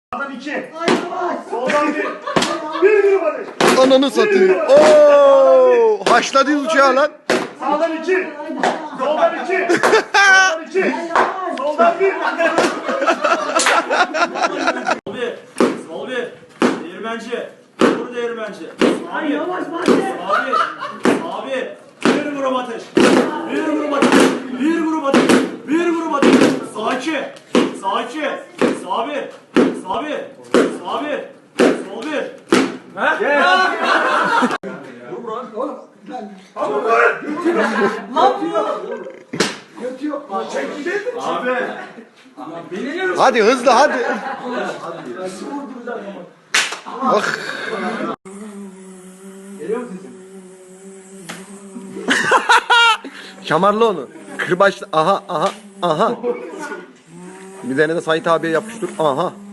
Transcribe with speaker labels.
Speaker 1: Sağdan 2. Soldan 1. Bir grup ateş.
Speaker 2: Ananı satayım. Oo, haşladınız uçağı lan.
Speaker 1: Sağdan 2. Soldan 2. Soldan 2. Soldan 1.
Speaker 3: Sol bir. Değirmenci. Vur değirmenci.
Speaker 4: Ay yavaş Fatih.
Speaker 3: Abi. Bir grup ateş. Bir grup ateş. Bir grup ateş. Bir grup ateş. Sağ 2. Sağ 2. Sağ 1. Sağ 1. Sağ 1. Sol 1. Abi.
Speaker 2: Hadi hızlı hadi. Bak. Şamarlı onu. Kırbaçlı. Aha. Bir tane de Sait abiye yapıştır. Aha.